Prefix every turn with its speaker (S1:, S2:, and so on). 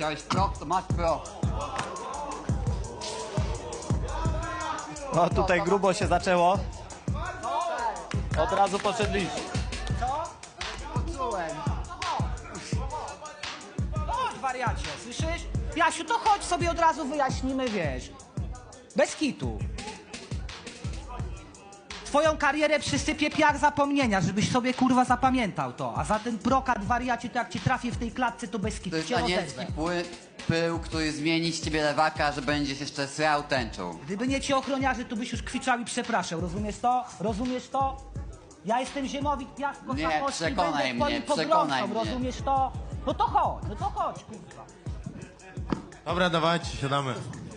S1: Chciałeś prok, to masz prok.
S2: No tutaj grubo się zaczęło. Od razu poszedliście.
S3: Co? Poczułem. Chodź, wariacie, słyszysz? Jasiu, to chodź sobie od razu wyjaśnimy, wiesz. Bez kitu. Twoją karierę przysypie piach zapomnienia, żebyś sobie kurwa zapamiętał to. A za ten brokat, wariacie, to jak ci trafię w tej klatce, to bez
S1: To
S3: kitu
S1: jest
S3: cię
S1: anielski
S3: rozezwę.
S1: pył, który zmieni z ciebie lewaka, że będziesz jeszcze srał tęczą.
S3: Gdyby nie ci ochroniarze, to byś już kwiczał i przepraszał. Rozumiesz to? Rozumiesz to? Ja jestem Ziemowit Piast
S1: Nie,
S3: Kochamości i
S1: przekonaj
S3: będę twoim
S1: mnie, przekonaj
S3: pogromcą,
S1: mnie.
S3: rozumiesz to? No to chodź, kurwa.
S4: Dobra, dawajcie, siadamy.